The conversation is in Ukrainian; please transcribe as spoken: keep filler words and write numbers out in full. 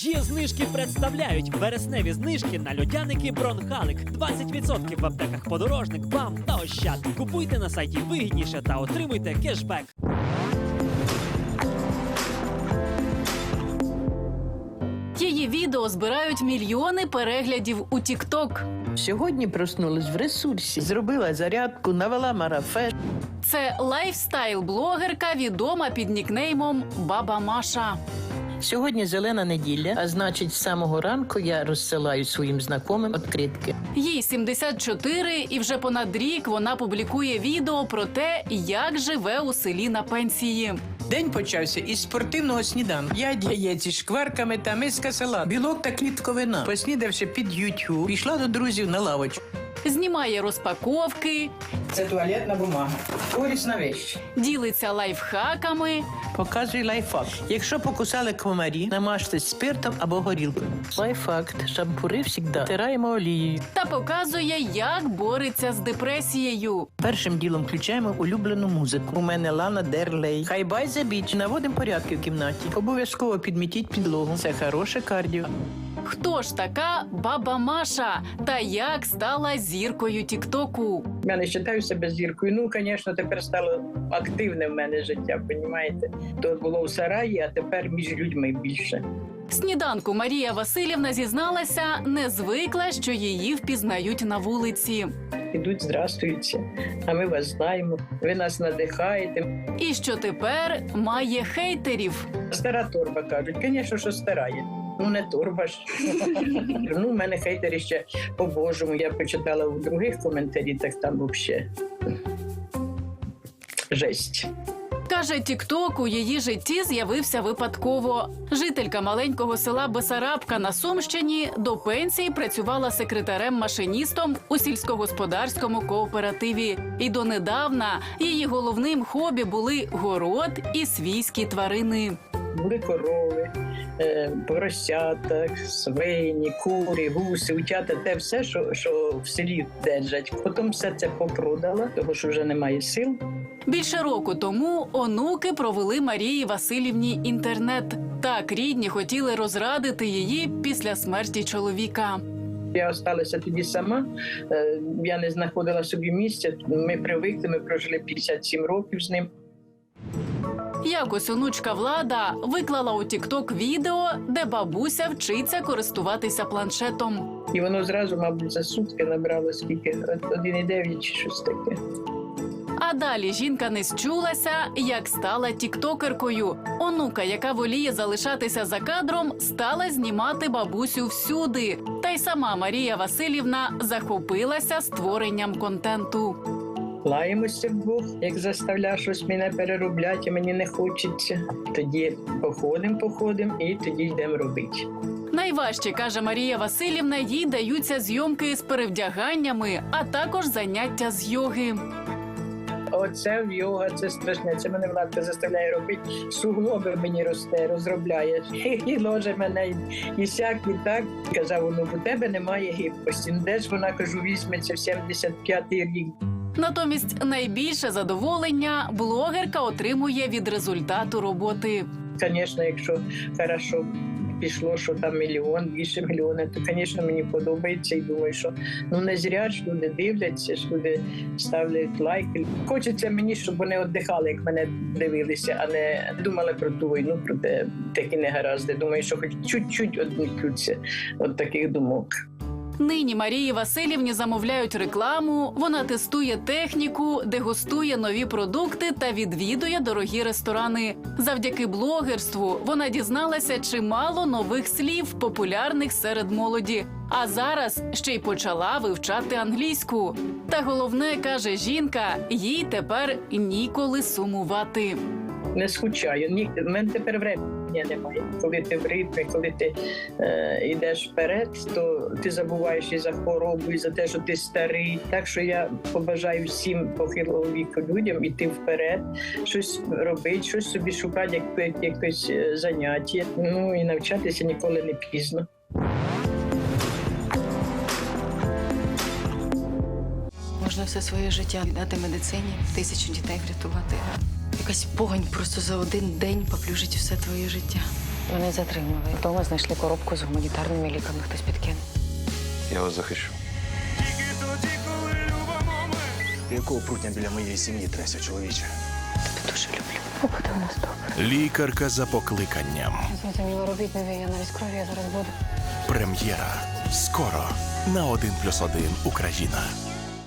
Є знижки представляють вересневі знижки на льодяники Бронхалик. двадцять відсотків в аптеках Подорожник, БАМ та Ощад. Купуйте на сайті вигідніше та отримуйте кешбек. Її відео збирають мільйони переглядів у тік-ток. Сьогодні проснулась в ресурсі, зробила зарядку, навела марафет. Це лайфстайл-блогерка, відома під нікнеймом Баба Маша. Сьогодні зелена неділя, а значить, з самого ранку я розсилаю своїм знайомим відкритки. Їй сімдесят чотири, і вже понад рік вона публікує відео про те, як живе у селі на пенсії. День почався із спортивного сніданку. П'ять яєць із шкварками та миска салату, білок та клітковина. Поснідавши під ютуб, пішла до друзів на лавочку. Знімає розпаковки, Це туалетна бумага. Корисна вещь. ділиться лайфхаками Показуй лайфхак. Якщо покусали комарі, намажте спиртом або горілкою. Лайфхак. Шампури завжди втираємо олією. та показує, як бореться з депресією. Першим ділом включаємо улюблену музику. У мене Лана Дер Рей. Хай бай за біч. Наводимо порядки в кімнаті. Обов'язково підмітіть підлогу. Це хороше кардіо. Хто ж така Баба Маша та як стала зіркою тік-току? Я не вважаю себе зіркою. Ну, звісно, тепер стало активне в мене життя, розумієте? То було в сараї, а тепер між людьми більше. Сніданку Марія Васильівна зізналася, не звикла, що її впізнають на вулиці. Ідуть, здрастуються, а ми вас знаємо, ви нас надихаєте. І що тепер має хейтерів. Стара торба, кажуть. Звісно, що стара є. Ну, не торба ж. Ну, в мене хейтери ще по-божому. Я почитала у других коментарі, так там взагалі жесть. Каже, тік-ток у її житті з'явився випадково. Жителька маленького села Бесарабка на Сумщині до пенсії працювала секретарем-машиністом у сільськогосподарському кооперативі. І донедавна її головним хобі були город і свійські тварини. Були корови, е, поросята, свині, кури, гуси, утята, те все, що, що в селі держать. Потім все це попродала, тому що вже немає сил. Більше року тому онуки провели Марії Васильівні інтернет. Так рідні хотіли розрадити її після смерті чоловіка. Я залишилася тоді сама, е, я не знаходила собі місця. Ми привикли, ми прожили п'ятдесят сім років з ним. Якось онучка Влада виклала у тік-ток відео, де бабуся вчиться користуватися планшетом. І воно зразу, мабуть, за сутки набрало скільки? один і дев'ять чи щось таке. А далі жінка не счулася, як стала тіктокеркою. Онука, яка воліє залишатися за кадром, стала знімати бабусю всюди. Та й сама Марія Васильівна захопилася створенням контенту. Лаємося вдвох, як заставляє щось мене переробляти, а мені не хочеться. Тоді походимо, походимо і тоді йдемо робити. Найважче, каже Марія Васильівна, їй даються зйомки з перевдяганнями, а також заняття з йоги. Оце в йога, це страшне. Це мене Владка заставляє робити. Суглоби мені росте, розробляє. І ложе мене і, і сяк, і так. Казав, ну, у тебе немає гибкості. Ну, де ж вона, кажу, візьметься в сімдесят п'ятий рік. Натомість найбільше задоволення блогерка отримує від результату роботи. Звісно, якщо хорошо пішло, що там мільйон, більше мільйона, то, звісно, мені подобається і думаю, що ну не зря ж люди дивляться, ж люди ставлять лайки. Хочеться мені, щоб вони віддихали, як мене дивилися, а не думали про ту війну, про те, такі негаразди. Думаю, що хоч чуть-чуть відмікнуться від таких думок. Нині Марії Васильівні замовляють рекламу, вона тестує техніку, дегустує нові продукти та відвідує дорогі ресторани. Завдяки блогерству вона дізналася чимало нових слів, популярних серед молоді. А зараз ще й почала вивчати англійську. Та головне, каже жінка, їй тепер ніколи сумувати. Не скучаю. Ні, в мене тепер времени немає. Коли ти в ритмі, коли ти е, йдеш вперед, то ти забуваєш і за хворобу, і за те, що ти старий. Так що я побажаю всім похилого віку людям йти вперед, щось робити, щось собі шукати, як, якесь заняття. Ну і навчатися ніколи не пізно. Можна все своє життя віддати медицині, тисячу дітей врятувати. Якась погань просто за один день поплюжить все твоє життя. Мене затримали. Вдома знайшли коробку з гуманітарними ліками. Хтось підкинув. Я вас захищу. Якого прутня біля моєї сім'ї тряся, чоловіче? Тебе дуже люблю. Побуде у нас добре. Лікарка за покликанням. Я зрозуміла, робіть нові, я навіть крові, я зараз буду. Прем'єра. Скоро на один плюс один Україна.